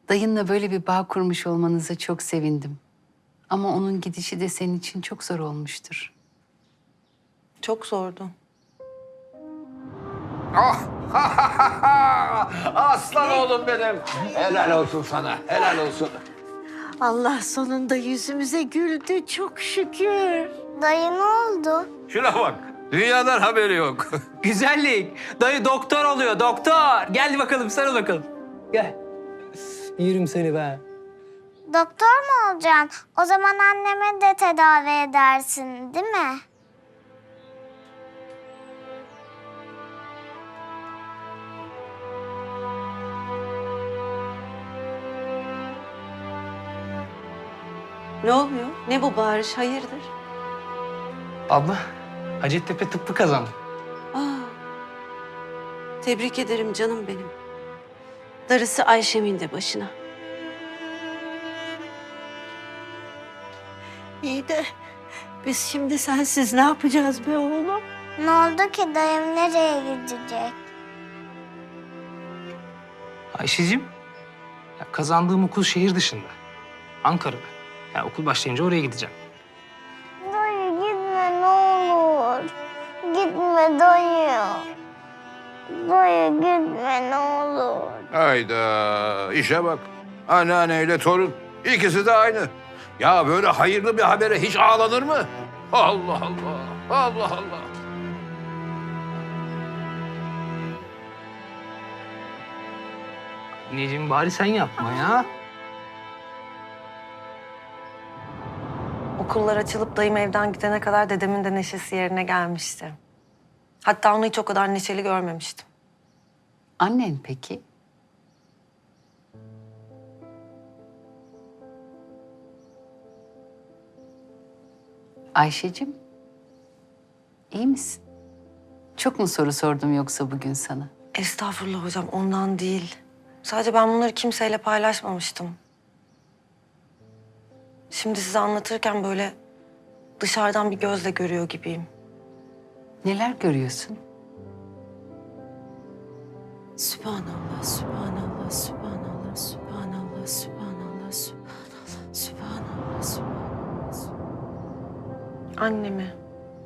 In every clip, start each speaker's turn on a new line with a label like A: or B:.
A: Dayınla böyle bir bağ kurmuş olmanıza çok sevindim. Ama onun gidişi de senin için çok zor olmuştur.
B: Çok zordu.
C: Ah! Aslan oğlum benim. Helal olsun sana, helal olsun.
D: Allah sonunda yüzümüze güldü çok şükür.
E: Dayı ne oldu?
C: Şuna bak, dünyadan haberi yok.
F: Güzellik. Dayı doktor oluyor, doktor. Gel bakalım, sarıl bakalım. Gel. Yerim seni be.
E: Doktor mu olacaksın? O zaman annemi de tedavi edersin, değil mi?
B: Ne oluyor? Ne bu bağırış? Hayırdır?
F: Abla, Hacettepe tıbbı kazandı.
B: Aa, tebrik ederim canım benim. Darısı Ayşem'in de başına.
D: İyi de biz şimdi sensiz ne yapacağız be oğlum?
E: Ne oldu ki dayım nereye gidecek?
F: Ayşe'cim, ya kazandığım okul şehir dışında. Ankara'da. Ya okul başlayınca oraya gideceğim.
E: Dayı gitme ne olur. Gitme dayı. Dayı gitme ne olur.
C: Hayda, işe bak. Anneanneyle torun, ikisi de aynı. Ya böyle hayırlı bir habere hiç ağlanır mı? Allah Allah, Allah Allah.
F: Anneciğim bari sen yapma ya.
G: Okullar açılıp dayım evden gidene kadar dedemin de neşesi yerine gelmişti. Hatta onu hiç o kadar neşeli görmemiştim.
A: Annen peki? Ayşe'cim, iyi misin? Çok mu soru sordum yoksa bugün sana?
G: Estağfurullah hocam, ondan değil. Sadece ben bunları kimseyle paylaşmamıştım. Şimdi size anlatırken böyle dışarıdan bir gözle görüyor gibiyim.
A: Neler görüyorsun?
B: Sübhanallah, sübhanallah, sübhanallah, sübhanallah, sübhanallah, sübhanallah, sübhanallah, sübhanallah.
G: Annemi.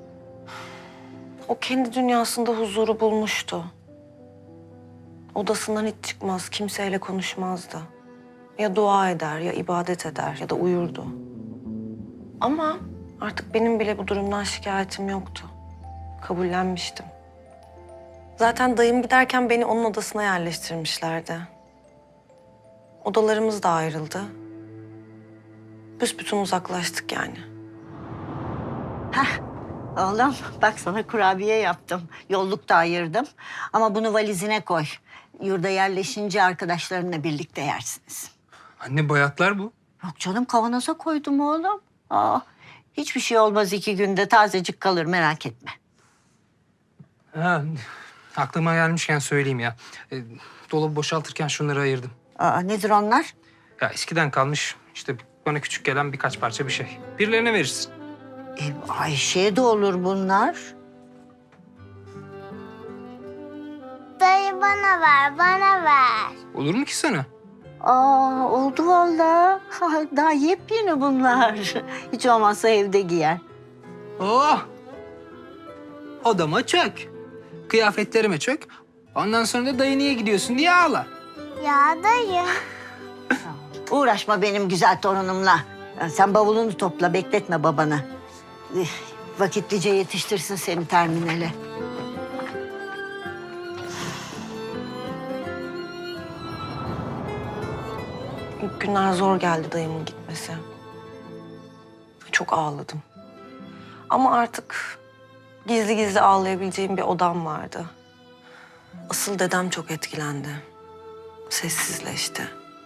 G: O kendi dünyasında huzuru bulmuştu. Odasından hiç çıkmaz, kimseyle konuşmazdı. Ya dua eder, ya ibadet eder, ya da uyurdu. Ama artık benim bile bu durumdan şikayetim yoktu. Kabullenmiştim. Zaten dayım giderken beni onun odasına yerleştirmişlerdi. Odalarımız da ayrıldı. Büsbütün uzaklaştık yani.
D: Oğlum bak sana kurabiye yaptım. Yolluk da ayırdım. Ama bunu valizine koy. Yurda yerleşince arkadaşlarınla birlikte yersiniz.
F: Anne bayatlar bu.
D: Yok canım kavanoza koydum oğlum. Aa, hiçbir şey olmaz 2 günde tazecik kalır merak etme.
F: Ha, aklıma gelmişken söyleyeyim ya. Dolabı boşaltırken şunları ayırdım.
D: Aa, nedir onlar?
F: Ya eskiden kalmış işte bana küçük gelen birkaç parça bir şey. Birilerine verirsin.
D: Ayşe'ye de olur bunlar.
E: Dayı bana ver, bana ver.
F: Olur mu ki sana?
D: Aa, oldu vallahi. Daha yepyeni bunlar. Hiç olmazsa evde giyer.
F: Oh! Odama çök. Kıyafetlerime çök. Ondan sonra da dayı niye gidiyorsun diye ağla.
E: Ya dayı.
D: Uğraşma benim güzel torunumla. Sen bavulunu topla, bekletme babanı. Vakitlice yetiştirsin seni terminale.
G: İlk günler zor geldi dayımın gitmesi. Çok ağladım. Ama artık gizli gizli ağlayabileceğim bir odam vardı. Asıl dedem çok etkilendi. Sessizleşti.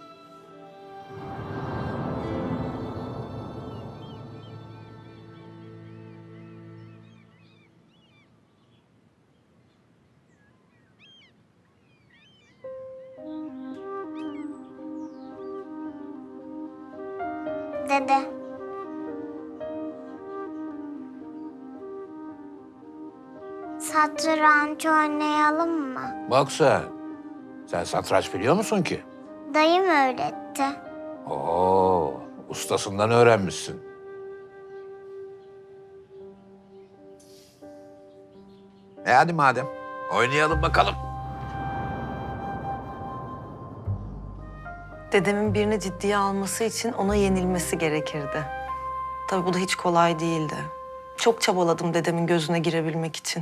E: Dede. Satranç oynayalım mı?
C: Bak sen satranç biliyor musun ki?
E: Dayım öğretti. öğretti.
C: Oo, ustasından öğrenmişsin. Hadi madem, oynayalım bakalım.
G: Dedemin birini ciddiye alması için ona yenilmesi gerekirdi. Tabii bu da hiç kolay değildi. Çok çabaladım dedemin gözüne girebilmek için.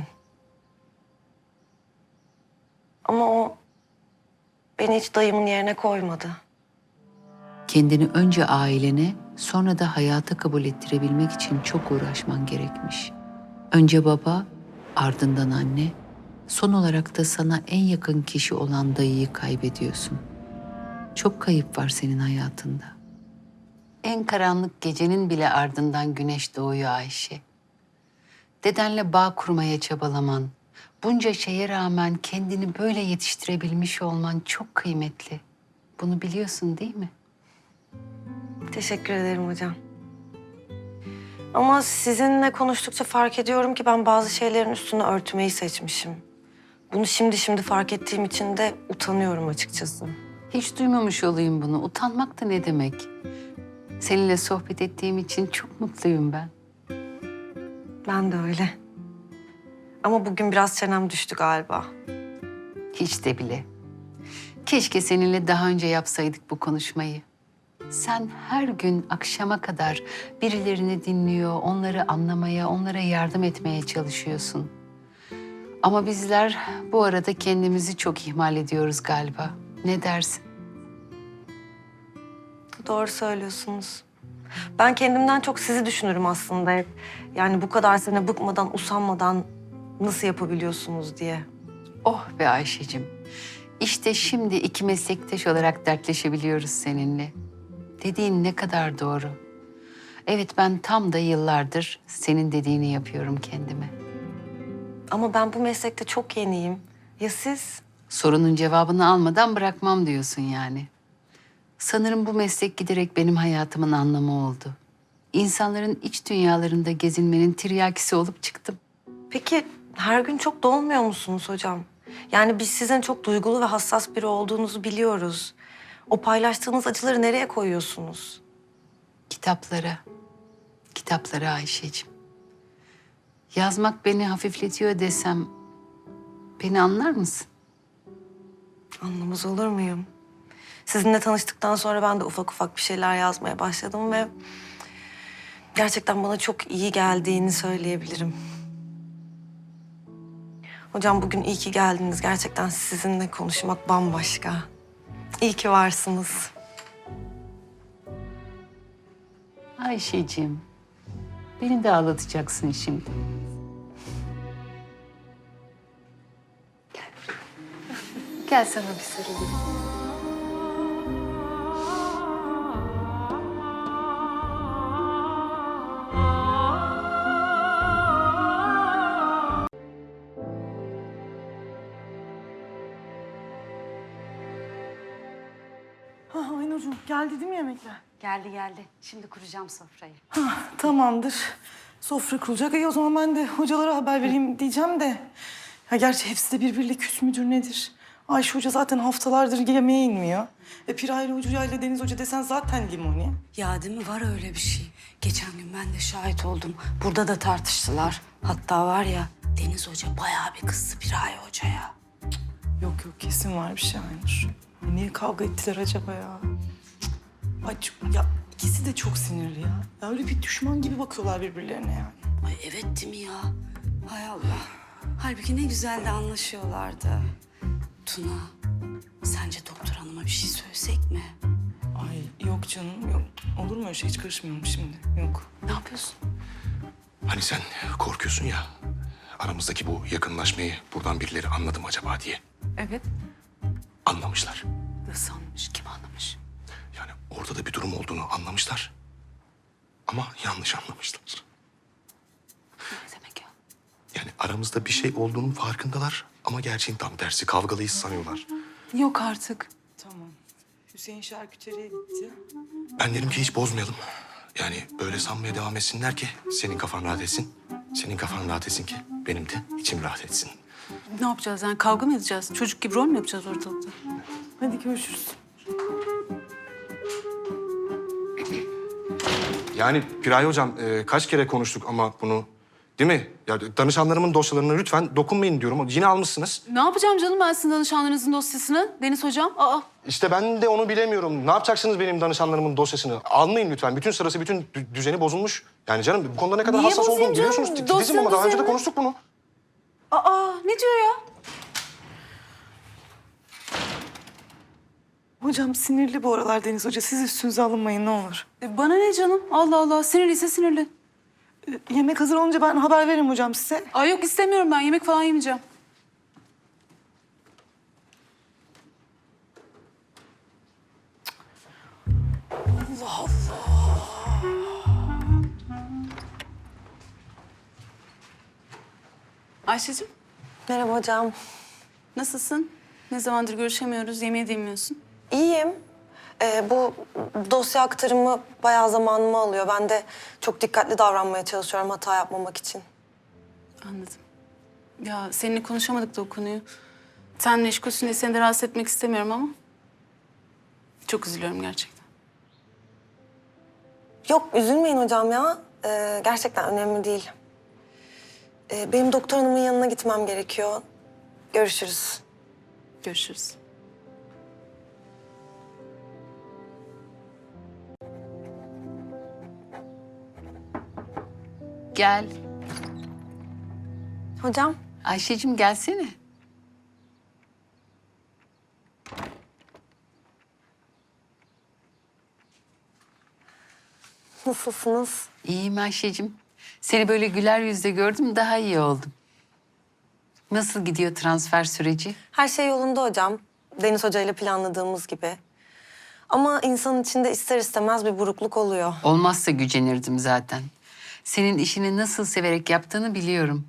G: Ama o beni hiç dayımın yerine koymadı.
A: Kendini önce ailene, sonra da hayata kabul ettirebilmek için çok uğraşman gerekmiş. Önce baba, ardından anne, son olarak da sana en yakın kişi olan dayıyı kaybediyorsun. Çok kayıp var senin hayatında. En karanlık gecenin bile ardından güneş doğuyor Ayşe. Dedenle bağ kurmaya çabalaman, bunca şeye rağmen kendini böyle yetiştirebilmiş olman çok kıymetli. Bunu biliyorsun değil mi?
G: Teşekkür ederim hocam. Ama sizinle konuştukça fark ediyorum ki ben bazı şeylerin üstünü örtmeyi seçmişim. Bunu şimdi fark ettiğim için de utanıyorum açıkçası.
A: Hiç duymamış olayım bunu. Utanmak da ne demek? Seninle sohbet ettiğim için çok mutluyum ben.
G: Ben de öyle. Ama bugün biraz çenem düştü galiba.
A: Hiç de bile. Keşke seninle daha önce yapsaydık bu konuşmayı. Sen her gün akşama kadar birilerini dinliyor, onları anlamaya, onlara yardım etmeye çalışıyorsun. Ama bizler bu arada kendimizi çok ihmal ediyoruz galiba. Ne dersin?
G: Doğru söylüyorsunuz. Ben kendimden çok sizi düşünürüm aslında hep. Yani bu kadar sene bıkmadan, usanmadan nasıl yapabiliyorsunuz diye.
A: Oh be Ayşe'cim. İşte şimdi iki meslektaş olarak dertleşebiliyoruz seninle. Dediğin ne kadar doğru. Evet, ben tam da yıllardır senin dediğini yapıyorum kendime.
G: Ama ben bu meslekte çok yeniyim. Ya siz?
A: Sorunun cevabını almadan bırakmam diyorsun yani. Sanırım bu meslek giderek benim hayatımın anlamı oldu. İnsanların iç dünyalarında gezinmenin tiryakisi olup çıktım.
G: Peki her gün çok dolmuyor musunuz hocam? Yani biz sizin çok duygulu ve hassas biri olduğunuzu biliyoruz. O paylaştığınız acıları nereye koyuyorsunuz?
A: Kitaplara. Kitaplara Ayşe'cim. Yazmak beni hafifletiyor desem beni anlar mısın?
G: Anlamaz olur muyum? Sizinle tanıştıktan sonra ben de ufak ufak bir şeyler yazmaya başladım ve gerçekten bana çok iyi geldiğini söyleyebilirim. Hocam bugün iyi ki geldiniz. Gerçekten sizinle konuşmak bambaşka. İyi ki varsınız.
A: Ayşe'cim, beni de ağlatacaksın şimdi. Gel sana bir sarılayım.
H: Aynurcuğum geldi değil mi yemekler?
B: Geldi geldi. Şimdi kuracağım sofrayı.
H: Tamamdır. Sofra kurulacak. O zaman ben de hocalara haber vereyim diyeceğim de. Ya gerçi hepsi de birbiriyle küs müdür nedir? Ayşe Hoca zaten haftalardır yemeğe inmiyor. Piraylı Hoca ile Deniz Hoca desen zaten limoni.
I: Ya değil mi? Var öyle bir şey. Geçen gün ben de şahit oldum. Burada da tartıştılar. Hatta var ya Deniz Hoca bayağı bir kızdı Piraye Hoca'ya.
H: Yok kesin var bir şey Aynur. Niye kavga ettiler acaba ya? Ay ya ikisi de çok sinirli ya. Ya öyle bir düşman gibi bakıyorlar birbirlerine yani.
I: Ay evet değil mi ya? Hay Allah. Halbuki ne güzel de anlaşıyorlardı. Tuna, sence doktor hanıma bir şey söylesek mi?
H: Ay yok canım yok. Olur mu öyle şey? Hiç karışmıyorum şimdi. Yok.
I: Ne yapıyorsun?
J: Hani sen korkuyorsun ya, aramızdaki bu yakınlaşmayı buradan birileri anladı mı acaba diye.
I: Evet.
J: Anlamışlar.
I: Nasıl anlamış? Kim anlamış?
J: Yani ortada bir durum olduğunu anlamışlar. Ama yanlış anlamışlar.
I: Ne demek ya?
J: Yani aramızda bir şey olduğunun farkındalar ama gerçeğin tam tersi. Kavgalıyız sanıyorlar.
I: Yok artık.
H: Tamam. Hüseyin şarküteriye gitti.
J: Ben dedim ki hiç bozmayalım. Yani böyle sanmaya devam etsinler ki senin kafan rahat etsin. Senin kafan rahat etsin ki benim de içim rahat etsin.
I: Ne yapacağız yani? Kavga mı edeceğiz? Çocuk gibi rol mü yapacağız ortalıkta?
H: Hadi görüşürüz.
J: Yani Piraye hocam kaç kere konuştuk ama bunu değil mi? Ya danışanlarımın dosyalarına lütfen dokunmayın diyorum. Yine almışsınız.
I: Ne yapacağım canım ben sizin danışanlarınızın dosyasını? Deniz hocam. Aa.
J: İşte ben de onu bilemiyorum. Ne yapacaksınız benim danışanlarımın dosyasını? Almayın lütfen. Bütün sırası, bütün düzeni bozulmuş. Yani canım bu konuda ne kadar
I: Niye
J: hassas
I: bozayım
J: olduğumu
I: canım?
J: biliyorsunuz. Titizim
I: Dosyanın
J: ama daha önce de
I: düzenini-
J: konuştuk bunu.
I: Aa ne diyor ya?
H: Hocam sinirli bu aralar Deniz Hoca. Siz üstünüze alınmayın ne olur.
I: Bana ne canım? Allah Allah. Sinirliyse sinirli.
H: Yemek hazır olunca ben haber veririm hocam size.
I: Ay yok istemiyorum ben. Yemek falan yemeyeceğim. Ayşe'cim
G: Merhaba hocam.
I: nasılsın? Ne zamandır görüşemiyoruz. Yemeğe de yemiyorsun.
G: İyiyim. Bu dosya aktarımı bayağı zamanımı alıyor. Ben de çok dikkatli davranmaya çalışıyorum hata yapmamak için.
I: Anladım. Ya seninle konuşamadık da o konuyu. Sen meşgulsün diye seni de rahatsız etmek istemiyorum ama... Çok üzülüyorum gerçekten.
G: Yok üzülmeyin hocam ya. Gerçekten önemli değil. Benim doktor hanımın yanına gitmem gerekiyor. Görüşürüz.
I: Görüşürüz.
A: Gel.
G: Hocam.
A: Ayşe'cim gelsene.
G: Nasılsınız?
A: İyiyim Ayşe'cim. Seni böyle güler yüzle gördüm, daha iyi oldum. Nasıl gidiyor transfer süreci?
G: Her şey yolunda hocam. Deniz Hoca ile planladığımız gibi. Ama insanın içinde ister istemez bir burukluk oluyor.
A: Olmazsa gücenirdim zaten. Senin işini nasıl severek yaptığını biliyorum.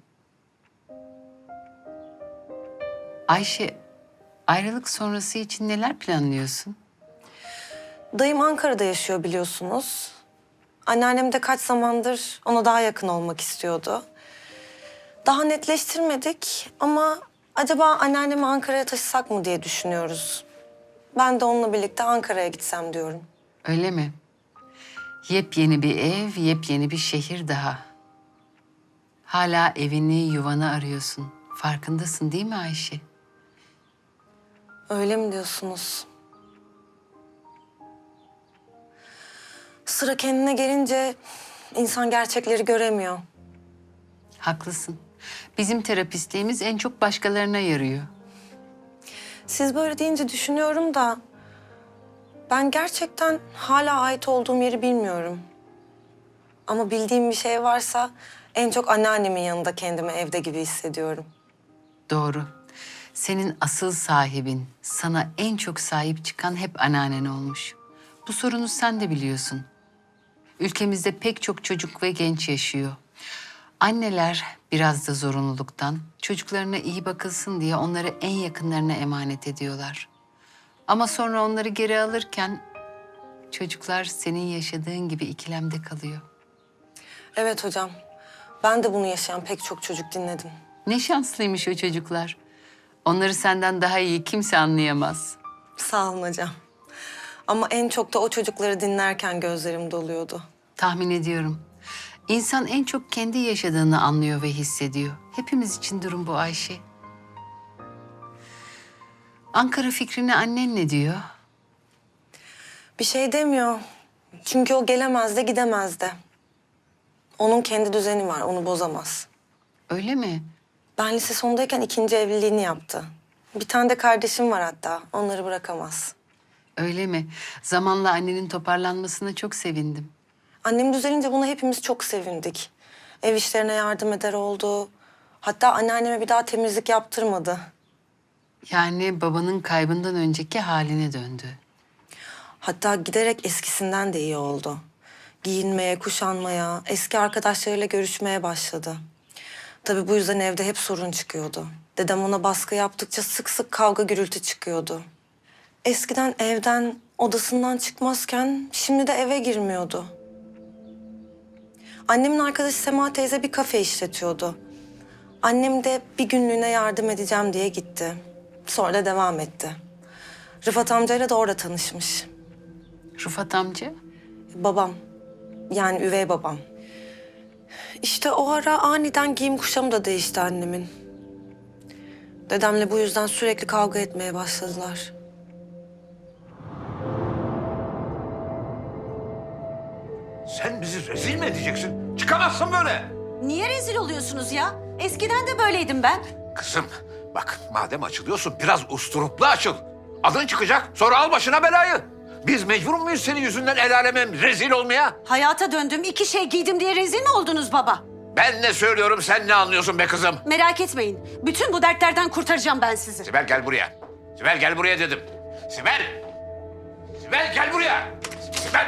A: Ayşe, ayrılık sonrası için neler planlıyorsun?
G: Dayım Ankara'da yaşıyor biliyorsunuz. Anneannem de kaç zamandır ona daha yakın olmak istiyordu. Daha netleştirmedik ama acaba anneannemi Ankara'ya taşısak mı diye düşünüyoruz. Ben de onunla birlikte Ankara'ya gitsem diyorum.
A: Öyle mi? Yepyeni bir ev, yepyeni bir şehir daha. Hala evini, yuvanı arıyorsun. Farkındasın değil mi Ayşe?
G: Öyle mi diyorsunuz? Sıra kendine gelince insan gerçekleri göremiyor.
A: Haklısın. Bizim terapistliğimiz en çok başkalarına yarıyor.
G: Siz böyle deyince düşünüyorum da ben gerçekten hala ait olduğum yeri bilmiyorum. Ama bildiğim bir şey varsa en çok anneannemin yanında kendimi evde gibi hissediyorum.
A: Doğru. Senin asıl sahibin, sana en çok sahip çıkan hep anneannen olmuş. Bu sorunu sen de biliyorsun. Ülkemizde pek çok çocuk ve genç yaşıyor. Anneler biraz da zorunluluktan çocuklarına iyi bakılsın diye onları en yakınlarına emanet ediyorlar. Ama sonra onları geri alırken çocuklar senin yaşadığın gibi ikilemde kalıyor.
G: Evet hocam. Ben de bunu yaşayan pek çok çocuk dinledim.
A: Ne şanslıymış o çocuklar. Onları senden daha iyi kimse anlayamaz.
G: Sağ olun hocam. Ama en çok da o çocukları dinlerken gözlerim doluyordu.
A: Tahmin ediyorum. İnsan en çok kendi yaşadığını anlıyor ve hissediyor. Hepimiz için durum bu Ayşe. Ankara fikrini annen ne diyor?
G: Bir şey demiyor. Çünkü o gelemez de gidemez de. Onun kendi düzeni var, onu bozamaz.
A: Öyle mi?
G: Ben lise sondayken ikinci evliliğini yaptı. Bir tane de kardeşim var hatta, onları bırakamaz.
A: Öyle mi? Zamanla annenin toparlanmasına çok sevindim.
G: Annem düzelince buna hepimiz çok sevindik. Ev işlerine yardım eder oldu. Hatta anneanneme bir daha temizlik yaptırmadı.
A: Yani babanın kaybından önceki haline döndü.
G: Hatta giderek eskisinden de iyi oldu. Giyinmeye, kuşanmaya, eski arkadaşlarıyla görüşmeye başladı. Tabii bu yüzden evde hep sorun çıkıyordu. Dedem ona baskı yaptıkça sık sık kavga gürültü çıkıyordu. Eskiden evden, odasından çıkmazken şimdi de eve girmiyordu. Annemin arkadaşı Sema teyze bir kafe işletiyordu. Annem de bir günlüğüne yardım edeceğim diye gitti. Sonra da devam etti. Rıfat amcayla da orada tanışmış.
A: Rıfat amca?
G: Babam. Yani üvey babam. İşte o ara aniden giyim kuşamı da değişti annemin. Dedemle bu yüzden sürekli kavga etmeye başladılar.
C: Sen bizi rezil mi edeceksin? Çıkamazsın böyle.
B: Niye rezil oluyorsunuz ya? Eskiden de böyleydim ben.
C: Kızım bak madem açılıyorsun biraz usturuplu açıl. Adın çıkacak sonra al başına belayı. Biz mecbur muyuz senin yüzünden el aleme rezil olmaya?
B: Hayata döndüm, 2 şey giydim diye rezil mi oldunuz baba?
C: Ben ne söylüyorum sen ne anlıyorsun be kızım?
B: Merak etmeyin. Bütün bu dertlerden kurtaracağım ben sizi.
C: Sibel gel buraya. Sibel gel buraya dedim. Sibel! Sibel gel buraya. Sibel!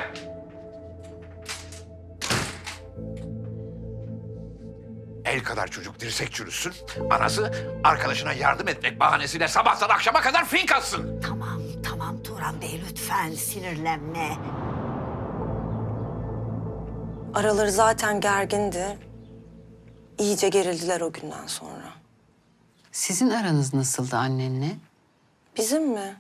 C: El kadar çocuk dirsek çürüsün. Anası arkadaşına yardım etmek bahanesiyle sabahtan akşama kadar fink atsın.
D: Tamam Turan Bey lütfen sinirlenme.
G: Araları zaten gergindi. İyice gerildiler o günden sonra.
A: Sizin aranız nasıldı annenle?
G: Bizim mi?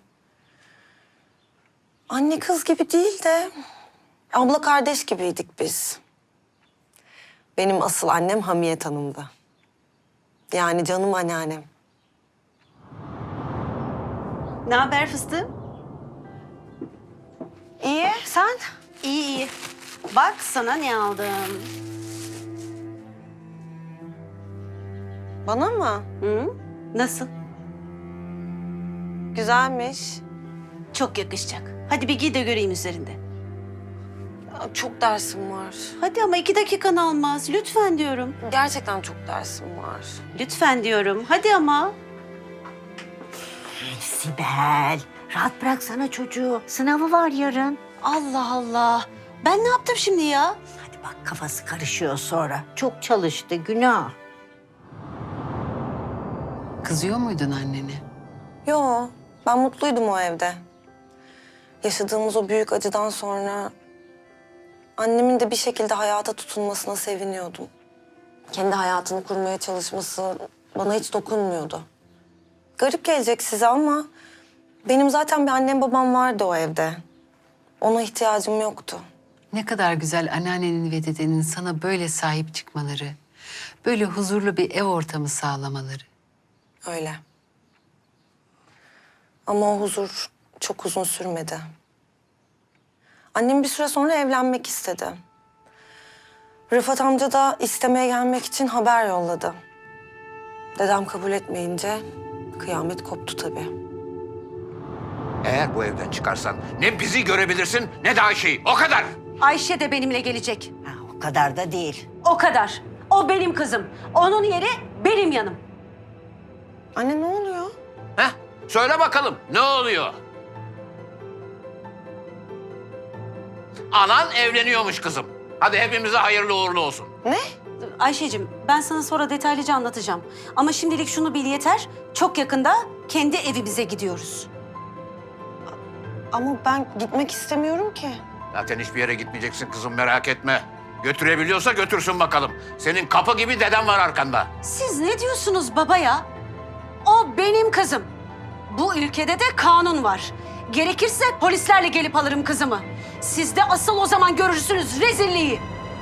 G: Anne kız gibi değil de abla kardeş gibiydik biz. Benim asıl annem Hamiyet Hanım'dı. Yani canım anneannem.
B: Ne haber fıstığım?
G: İyi, sen?
B: İyi. Bak sana ne aldım.
G: Bana mı?
B: Hı? Nasıl?
G: Güzelmiş.
B: Çok yakışacak. Hadi bir giy de göreyim üzerinde.
G: Ya, çok dersim var.
B: Hadi ama 2 dakikan almaz. Lütfen diyorum.
G: Gerçekten çok dersim var.
B: Lütfen diyorum. Hadi ama.
D: Sibel rahat bıraksana çocuğu. Sınavı var yarın.
B: Allah Allah. Ben ne yaptım şimdi ya?
D: Hadi bak kafası karışıyor sonra. Çok çalıştı günah.
A: Kızıyor muydun annene?
G: Yo, ben mutluydum o evde. Yaşadığımız o büyük acıdan sonra annemin de bir şekilde hayata tutunmasına seviniyordum. Kendi hayatını kurmaya çalışması bana hiç dokunmuyordu. Garip gelecek size ama benim zaten bir annem babam vardı o evde. Ona ihtiyacım yoktu.
A: Ne kadar güzel anneannenin ve dedenin sana böyle sahip çıkmaları, böyle huzurlu bir ev ortamı sağlamaları.
G: Öyle. Ama o huzur çok uzun sürmedi. Annem bir süre sonra evlenmek istedi. Rıfat amca da istemeye gelmek için haber yolladı. Dedem kabul etmeyince kıyamet koptu tabii.
C: Eğer bu evden çıkarsan ne bizi görebilirsin ne de Ayşe'yi. O kadar.
B: Ayşe de benimle gelecek.
D: Ha, o kadar da değil.
B: O kadar. O benim kızım. Onun yeri benim yanım.
G: Anne ne oluyor?
C: Heh, söyle bakalım ne oluyor? Anan evleniyormuş kızım. Hadi hepimize hayırlı uğurlu olsun.
G: Ne?
B: Ayşe'cim ben sana sonra detaylıca anlatacağım. Ama şimdilik şunu bil yeter. Çok yakında kendi evimize gidiyoruz.
G: Ama ben gitmek istemiyorum ki.
C: Zaten hiçbir yere gitmeyeceksin kızım merak etme. Götürebiliyorsa götürsün bakalım. Senin kapı gibi deden var arkanda.
B: Siz ne diyorsunuz baba ya? O benim kızım. Bu ülkede de kanun var. Gerekirse polislerle gelip alırım kızımı. Siz de asıl o zaman görürsünüz rezilliği.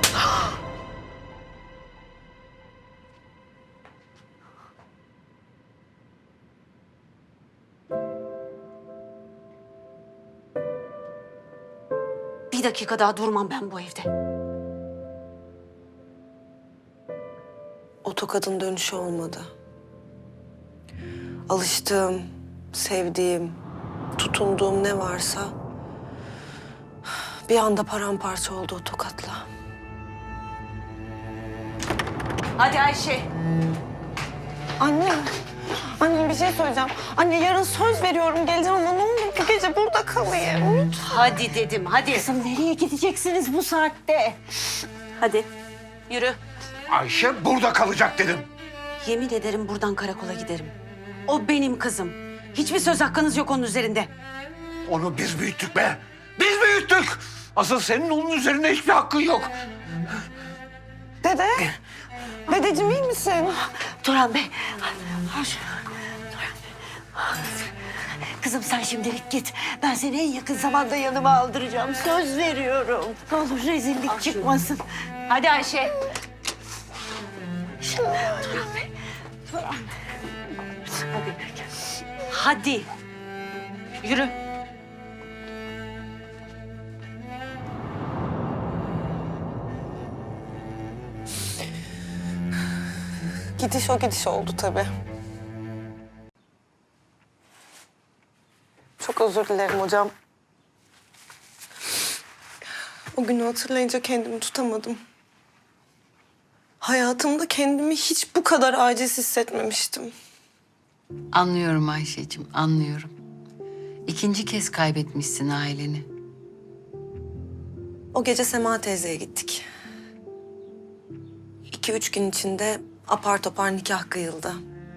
B: Bir dakika daha durmam ben bu evde.
G: O tokadın dönüşü olmadı. Alıştığım, sevdiğim, tutunduğum ne varsa bir anda paramparça oldu o tokatla.
B: Hadi Ayşe.
G: Anne, anne bir şey söyleyeceğim. Anne yarın söz veriyorum geleceğim ama ne olur bu gece burada kalayım.
B: Hadi dedim hadi.
D: Kızım nereye gideceksiniz bu saatte?
B: Hadi yürü.
C: Ayşe burada kalacak dedim.
B: Yemin ederim buradan karakola giderim. O benim kızım. Hiçbir söz hakkınız yok onun üzerinde.
C: Onu biz büyüttük be. Biz büyüttük. Asıl senin onun üzerinde hiçbir hakkın yok.
G: Dede, dedeciğim iyi misin?
D: Turan Bey. Kızım sen şimdilik git. Ben seni en yakın zamanda yanıma aldıracağım. Söz veriyorum. Ne olur rezillik çıkmasın.
B: Hadi Ayşe. Hadi. Yürü.
G: Gidiş o gidiş oldu tabii. Çok özür dilerim hocam. O günü hatırlayınca kendimi tutamadım. Hayatımda kendimi hiç bu kadar aciz hissetmemiştim.
A: Anlıyorum Ayşe'cim, anlıyorum. İkinci kez kaybetmişsin aileni.
G: O gece Sema teyzeye gittik. 2-3 gün içinde apar topar nikah kıyıldı.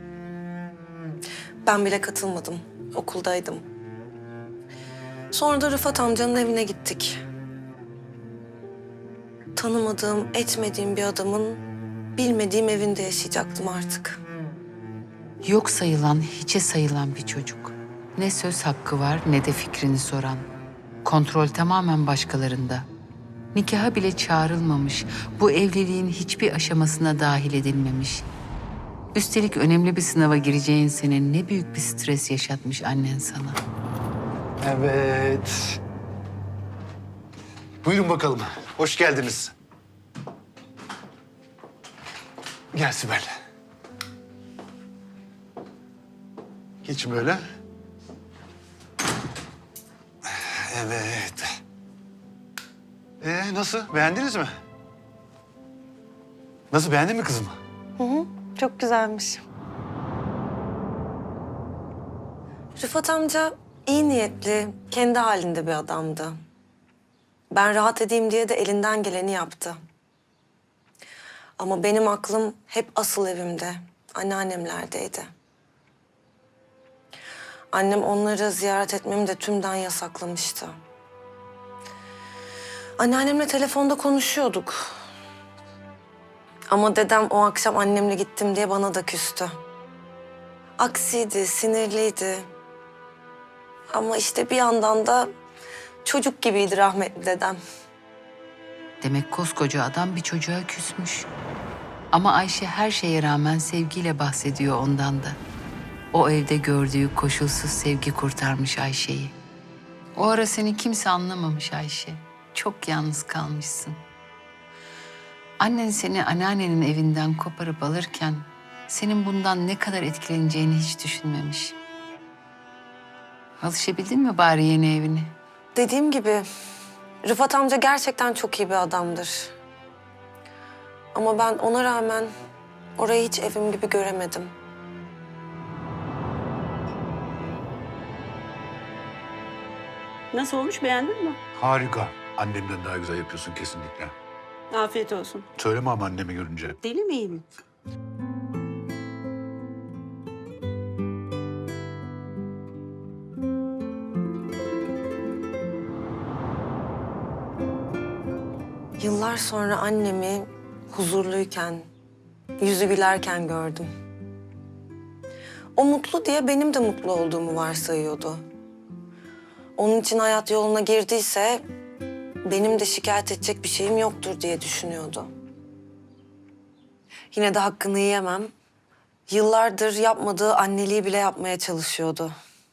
G: Ben bile katılmadım. Okuldaydım. Sonra da Rıfat amcanın evine gittik. Tanımadığım, etmediğim bir adamın bilmediğim evinde yaşayacaktım artık.
A: Yok sayılan, hiçe sayılan bir çocuk. Ne söz hakkı var ne de fikrini soran. Kontrol tamamen başkalarında. Nikaha bile çağrılmamış, bu evliliğin hiçbir aşamasına dahil edilmemiş. Üstelik önemli bir sınava gireceğin sene ne büyük bir stres yaşatmış annen sana.
K: Evet. Buyurun bakalım. Hoş geldiniz. Gel Sibel. Geçin böyle. Evet. Nasıl? Beğendiniz mi? Nasıl? Beğendin mi kızım?
G: Çok güzelmiş. Rıfat amca iyi niyetli, kendi halinde bir adamdı. Ben rahat edeyim diye de elinden geleni yaptı. Ama benim aklım hep asıl evimde, anneannemlerdeydi. Annem onları ziyaret etmemi de tümden yasaklamıştı. Anneannemle telefonda konuşuyorduk. Ama dedem o akşam annemle gittim diye bana da küstü. Aksiydi, sinirliydi. Ama işte bir yandan da çocuk gibiydi rahmetli dedem.
A: Demek koskoca adam bir çocuğa küsmüş. Ama Ayşe her şeye rağmen sevgiyle bahsediyor ondan da. O evde gördüğü koşulsuz sevgi kurtarmış Ayşe'yi. O ara seni kimse anlamamış Ayşe. Çok yalnız kalmışsın. Annen seni anneannenin evinden koparıp alırken senin bundan ne kadar etkileneceğini hiç düşünmemiş. Alışabildin mi bari yeni evine?
G: Dediğim gibi Rıfat amca gerçekten çok iyi bir adamdır. Ama ben ona rağmen orayı hiç evim gibi göremedim.
B: Nasıl olmuş, beğendin mi?
K: Harika. Annemden daha güzel yapıyorsun kesinlikle.
B: Afiyet olsun.
K: Söyleme ama annemi görünce.
B: Deli miyim?
G: Yıllar sonra annemi huzurluyken, yüzü gülerken gördüm. O mutlu diye benim de mutlu olduğumu varsayıyordu. Onun için hayat yoluna girdiyse benim de şikayet edecek bir şeyim yoktur diye düşünüyordu. Yine de hakkını yiyemem. Yıllardır yapmadığı anneliği bile yapmaya çalışıyordu.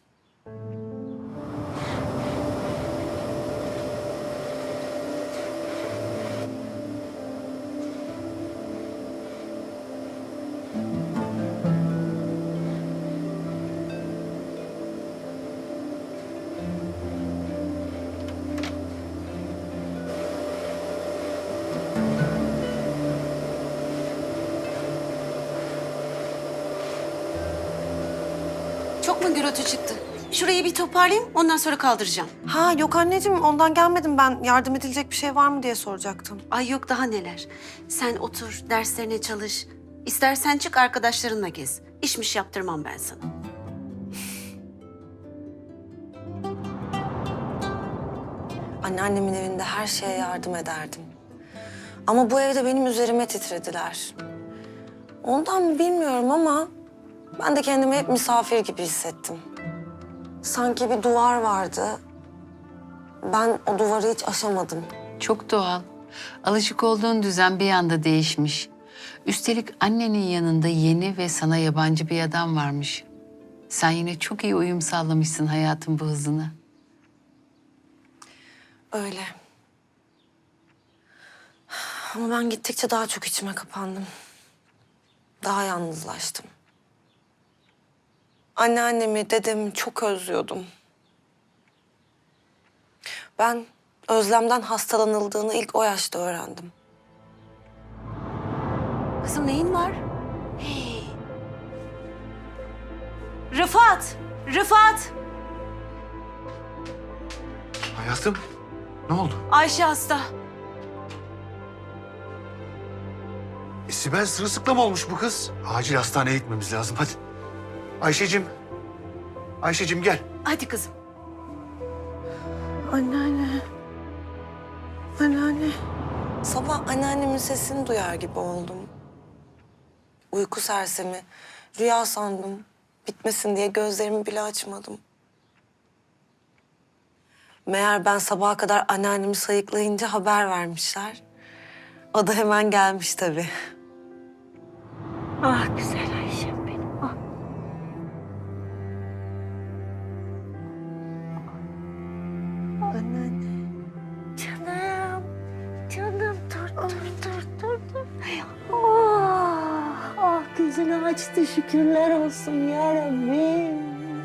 B: Çok mu gürültü çıktı? Şurayı bir toparlayayım, ondan sonra kaldıracağım.
G: Ha yok anneciğim ondan gelmedim ben. Yardım edilecek bir şey var mı diye soracaktım.
B: Ay yok, daha neler. Sen otur, derslerine çalış. İstersen çık arkadaşlarınla gez. İşmiş yaptırmam ben sana.
G: Anneannemin evinde her şeye yardım ederdim. Ama bu evde benim üzerime titrediler. Ondan mı bilmiyorum ama ben de kendimi hep misafir gibi hissettim. Sanki bir duvar vardı. Ben o duvarı hiç aşamadım.
A: Çok doğal. Alışık olduğun düzen bir anda değişmiş. Üstelik annenin yanında yeni ve sana yabancı bir adam varmış. Sen yine çok iyi uyum sağlamışsın hayatın bu hızına.
G: Öyle. Ama ben gittikçe daha çok içime kapandım. Daha yalnızlaştım. Anneannemi, dedemi çok özlüyordum. Ben özlemden hastalanıldığını ilk o yaşta öğrendim.
B: Kızım neyin var? Hey. Rıfat! Rıfat!
K: Hayatım, ne oldu?
B: Ayşe hasta.
K: Sibel sırılsıklam olmuş bu kız. Acil hastaneye gitmemiz lazım, hadi. Ayşe'cim, Ayşe'cim gel.
B: Hadi kızım.
G: Anneanne. Anneanne. Sabah anneannemin sesini duyar gibi oldum. Uyku sersemi, rüya sandım. Bitmesin diye gözlerimi bile açmadım. Meğer ben sabaha kadar anneannemi sayıklayınca haber vermişler. O da hemen gelmiş tabii.
D: Ah güzel Ayşem benim. Ah.
G: Anneanne.
D: Canım. Canım dur. Ah gözünü açtı şükürler olsun ya Rabbim.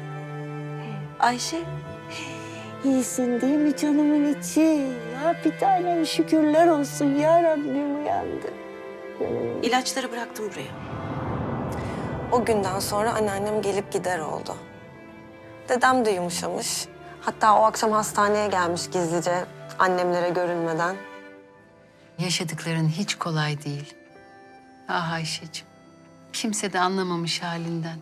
G: Ayşe.
D: İyisin değil mi canımın içi? Ya bir tanem şükürler olsun ya Rabbim uyandı.
B: İlaçları bıraktım buraya.
G: O günden sonra anneannem gelip gider oldu. Dedem de yumuşamış. Hatta o akşam hastaneye gelmiş gizlice annemlere görünmeden.
A: Yaşadıkların hiç kolay değil. Ah Ayşe'cim. Kimse de anlamamış halinden.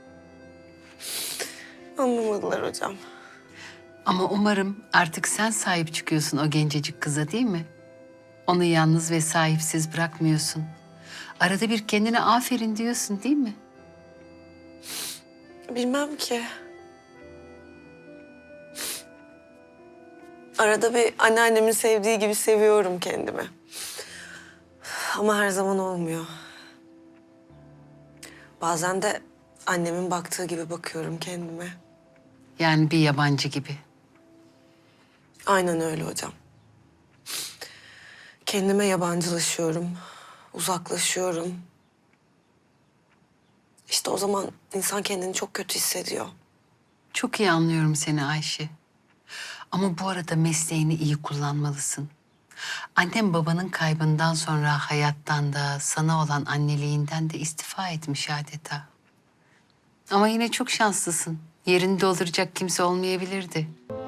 G: Anlamadılar hocam.
A: Ama umarım artık sen sahip çıkıyorsun o gencecik kıza değil mi? Onu yalnız ve sahipsiz bırakmıyorsun. Arada bir kendine aferin diyorsun değil mi?
G: Bilmem ki. Arada bir anneannemin sevdiği gibi seviyorum kendimi. Ama her zaman olmuyor. Bazen de annemin baktığı gibi bakıyorum kendime.
A: Yani bir yabancı gibi.
G: Aynen öyle hocam. Kendime yabancılaşıyorum, uzaklaşıyorum. İşte o zaman insan kendini çok kötü hissediyor.
A: Çok iyi anlıyorum seni Ayşe. Ama bu arada mesleğini iyi kullanmalısın. Annem babanın kaybından sonra hayattan da sana olan anneliğinden de istifa etmiş adeta. Ama yine çok şanslısın. Yerini dolduracak kimse olmayabilirdi.